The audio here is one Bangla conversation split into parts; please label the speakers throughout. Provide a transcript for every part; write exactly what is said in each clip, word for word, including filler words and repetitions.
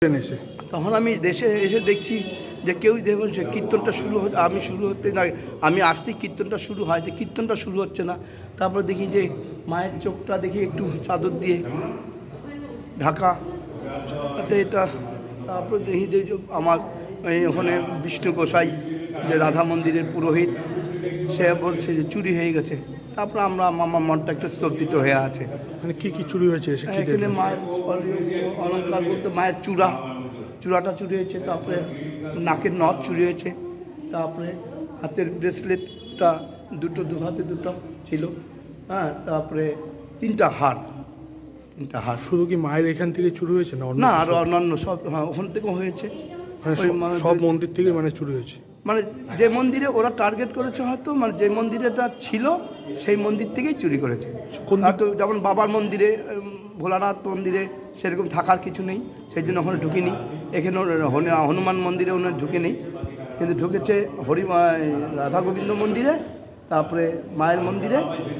Speaker 1: এসে
Speaker 2: তখন আমি দেশে এসে দেখছি যে কেউ দেখুন সে কীর্তনটা শুরু হচ্ছে, আমি শুরু হতে না আমি আসতেই কীর্তনটা শুরু হয়, যে কীর্তনটা শুরু হচ্ছে না। তারপরে দেখি যে মায়ের চোখটা দেখি একটু চাদর দিয়ে ঢাকা, তাতে এটা। তারপরে দেখি যে আমার এই ওখানে বিষ্ণু গোসাই, যে রাধা মন্দিরের পুরোহিত, সে বলছে যে চুরি হয়ে গেছে। তারপরে আমরা আমার মনটা একটু স্তব্ধিত হয়ে আছে।
Speaker 1: মানে কি কি চুরি হয়েছে এসে কি
Speaker 2: এখানে
Speaker 1: দেখলেন?
Speaker 2: মায়ের অলঙ্কার বলতে মায়ের চূড়া চূড়াটা চুরি হয়েছে, তারপরে নাকের নথ চুরি হয়েছে, তারপরে হাতের ব্রেসলেটটা দুটো দু হাতে দুটো ছিল, হ্যাঁ, তারপরে তিনটা হার তিনটা হার
Speaker 1: শুধু কি মায়ের এখান থেকে চুরি হয়েছে না অন্য
Speaker 2: না,
Speaker 1: কিছু?
Speaker 2: আরও অন্যান্য সব, হ্যাঁ, ওখান থেকেও হয়েছে।
Speaker 1: মানে
Speaker 2: ওই
Speaker 1: সব-
Speaker 2: মানে
Speaker 1: সব মন্দির থেকে মানে চুরি হয়েছে?
Speaker 2: মানে যে মন্দিরে ওরা টার্গেট করেছে হয়তো, মানে যে মন্দিরেটা ছিল সেই মন্দির থেকেই চুরি করেছে।
Speaker 1: কোন দিক-
Speaker 2: হয়তো যেমন বাবার মন্দিরে, উম, ভোলানাথ মন্দিরে সেরকম থাকার কিছু নেই, সেই জন্য ওখানে ঢুকিনি। এখানে হনু- হনুমান মন্দিরে ওখানে ঢুকে নেই, কিন্তু ঢুকেছে হরি রাধা গোবিন্দ মন্দিরে, তারপরে মায়ের মন্দিরে,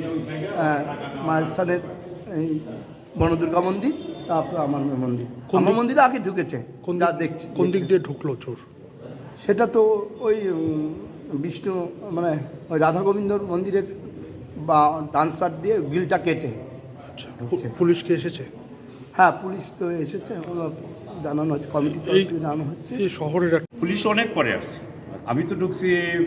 Speaker 2: আহ, মায়ের স্থানের এই বনদুর্গা মন্দির, তারপরে আমার মন্দির।
Speaker 1: কোন
Speaker 2: আমার
Speaker 1: দিক-
Speaker 2: মন্দিরে আগে ঢুকেছে,
Speaker 1: কোন
Speaker 2: যা
Speaker 1: দিক-
Speaker 2: দেখছি।
Speaker 1: কোন দিক দিয়ে ঢুকলো চোর?
Speaker 2: সেটা তো ওই উম, বিষ্ণু মানে ওই রাধা গোবিন্দর মন্দিরের বা ডান সাইড দিয়ে গিলটা কেটে।
Speaker 1: আচ্ছা,
Speaker 2: ঢুকছে।
Speaker 1: পুলিশ কি এসেছে?
Speaker 2: হ্যাঁ, পুলিশ তো এসেছে, ওগুলো জানানো হচ্ছে, কমিটি তরফ
Speaker 1: এই-
Speaker 2: থেকে জানানো হচ্ছে।
Speaker 1: এই শহরের এক-
Speaker 3: পুলিশ অনেক পরে আসছে। আমি তো ঢুকছি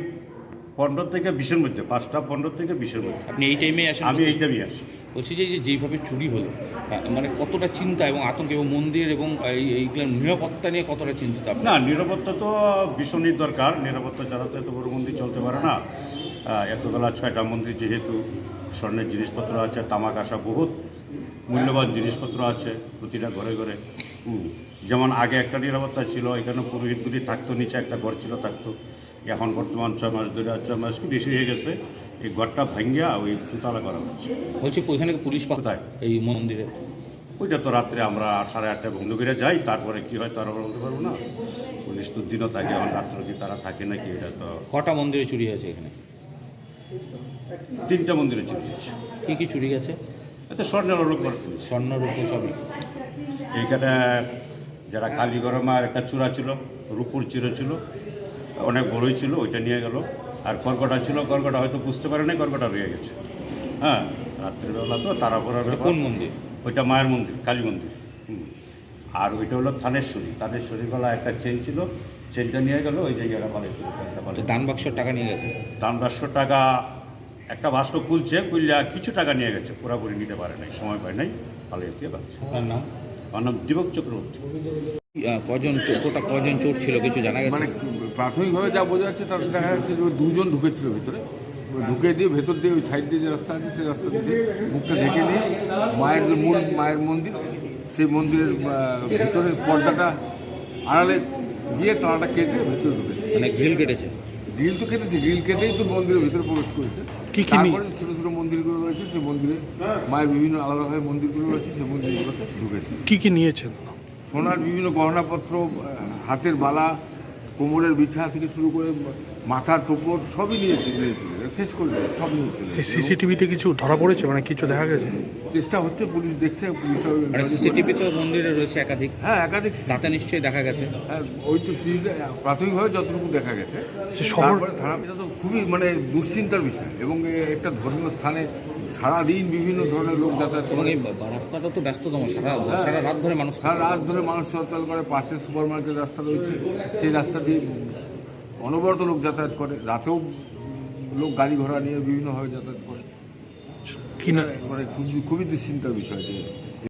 Speaker 3: পনেরো থেকে বিশের মধ্যে, পাঁচটা পনেরো থেকে বিশের মধ্যে।
Speaker 4: আপনি এই টাইমে আসেন?
Speaker 3: আমি এই টাইমে আসি।
Speaker 4: বলছি যে এই যে যেইভাবে চুরি হলো, আহ, মানে কতটা চিন্তা এবং আতঙ্ক, এবং মন্দির এবং এই এইগুলো নিরাপত্তা নিয়ে কতটা চিন্তিত আপনি?
Speaker 3: না, নিরাপত্তা তো ভীষণই দরকার। নিরাপত্তা ছাড়া তো এত বড় মন্দির চলতে পারে না। আহ, এতবেলা ছয়টা মন্দির, যেহেতু স্বর্ণের জিনিসপত্র আছে, তামাক আসা বহুত মূল্যবান জিনিসপত্র আছে প্রতিটা ঘরে ঘরে। হুম, যেমন আগে একটা নিরাপত্তা ছিল, এখানে পুরোহিতগুলি থাকতো, নিচে একটা ঘর ছিল থাকতো। এখন বর্তমান ছয় মাস ধরে, আর ছয় মাস কি বেশি হয়ে গেছে, এই ঘরটা ভাঙ্গিয়া ওই দুতলা করা হচ্ছে।
Speaker 4: বলছি ওইখানে কি পুলিশ পা-
Speaker 3: কোথায়?
Speaker 4: এই মন্দিরে?
Speaker 3: ওইটা তো রাত্রে আমরা সাড়ে আটটায় বন্ধ করে যাই, তারপরে কি হয় তারা বলতে পারবো না। পুলিশ তো দিনও থাকে, এখন রাত্রে কি তারা থাকে নাকি, এটা তো।
Speaker 4: কটা মন্দিরে চুরি হয়েছে এখানে?
Speaker 3: তিনটা মন্দিরে চলে যাচ্ছে।
Speaker 4: কী কী চুরি গেছে?
Speaker 3: এতে স্বর্ণের আলোক করে
Speaker 4: স্বর্ণ রূপ সবই?
Speaker 3: এইখানে যারা কালীগড় মায়ের একটা চূড়া ছিল, রূপুর চিরো ছিল, অনেক বড়ই ছিল, ওইটা নিয়ে গেল। আর কর্কটা ছিল, কর্কটা হয়তো বুঝতে পারে নাই, কর্কটা রয়ে গেছে। হ্যাঁ, রাত্রিবেলা তো তারা পড়ার ব্যাপার।
Speaker 4: কোন মন্দির?
Speaker 3: ওইটা মায়ের মন্দির, কালী মন্দির। হুম। আর ওইটা হলো থানেশ্বরী। থানেশ্বরী গলা একটা চেন ছিল, চেনটা নিয়ে গেল, ওই জায়গাটা পালে
Speaker 4: তো দান বাক্সর টাকা নিয়ে গেছে?
Speaker 3: দাম পাঁচশো টাকা একটা বাস্ক খুলছে, খুললে কিছু টাকা নিয়ে গেছে, পুরাপুরি নিতে পারে নাই, সময় পায় নাই, পালিয়ে দিয়ে পাচ্ছে।
Speaker 4: আপনার নাম?
Speaker 3: আমার নাম দীপক চক্রবর্তী।
Speaker 4: আহ, কজন চোর, কোটা কজন চোর ছিল কিছু জানা গেছে?
Speaker 5: মানে প্রাথমিকভাবে যা বোঝা যাচ্ছে তাতে দেখা যাচ্ছে যে ওই দুজন ঢুকেছিল ভিতরে, ওই ঢুকে দিয়ে ভেতর দিয়ে ওই সাইড দিয়ে যে রাস্তা আছে সেই রাস্তা দিয়ে মুখটা ঢেকে নিয়ে মায়ের যে মূল মায়ের মন্দির, সেই মন্দিরের আহ, ভিতরের পর্দাটা আড়ালে গিয়ে তালাটা কেটে ভেতরে ঢুকেছে।
Speaker 4: মানে গ্রিল কেটেছে?
Speaker 5: গ্রিল তো কেটেছে, গ্রিল কেটেই তো মন্দিরের ভিতরে প্রবেশ করেছে।
Speaker 1: কি কি নি-
Speaker 5: তারপরে ছোটো ছোটো মন্দিরগুলো রয়েছে, সেই মন্দিরে মায়ের বিভিন্ন আলাদাভাবে মন্দিরগুলো রয়েছে, সেই মন্দিরগুলোতে ঢুকেছে।
Speaker 1: কি কি নিয়েছেন?
Speaker 5: সোনার বিভিন্ন গহনাপত্র, আহ, হাতের বালা, কোমরের বিছা থেকে শুরু করে মাথার টোপর সবই নিয়েছে, নিয়েছিল শেষ করে দিয়েছে, সব নিয়েছিল।
Speaker 1: এই সিসিটিভিতে কিছু ধরা পড়েছে, মানে কিছু দেখা গেছে?
Speaker 5: চেষ্টা হচ্ছে, পুলিশ দেখছে, পুলিশ
Speaker 4: মানে সিসিটিভি তো মন্দিরে রয়েছে একাধিক,
Speaker 5: হ্যাঁ একাধিক,
Speaker 4: তাতে নিশ্চয়ই দেখা গেছে।
Speaker 5: হ্যাঁ, ওই তো সিসিটিভি প্রাথমিকভাবে যতটুকু দেখা গেছে।
Speaker 1: যে শহর-
Speaker 5: তারপরে থানা, এটা তো খুবই মানে দুশ্চিন্তার বিষয়, এবং এ একটা ধর্মীয় স্থানে সারাদিন বিভিন্ন ধরনের লোক যাতায়াত
Speaker 4: এবং
Speaker 5: করে,
Speaker 4: এই বা- রাস্তাটা তো ব্যস্ততম, সারা সারা রাত ধরে মানুষ
Speaker 5: সারা রাত ধরে মানুষ চলাচল করে। পাশে সুপার মার্কেট রাস্তা রয়েছে, সেই রাস্তা দিয়ে অনবরত লোক যাতায়াত করে, রাতেও লোক গাড়ি ঘোড়া নিয়ে বিভিন্নভাবে যাতায়াত করে।
Speaker 1: কি না
Speaker 5: মানে খুবই খুবই দুশ্চিন্তার বিষয় যে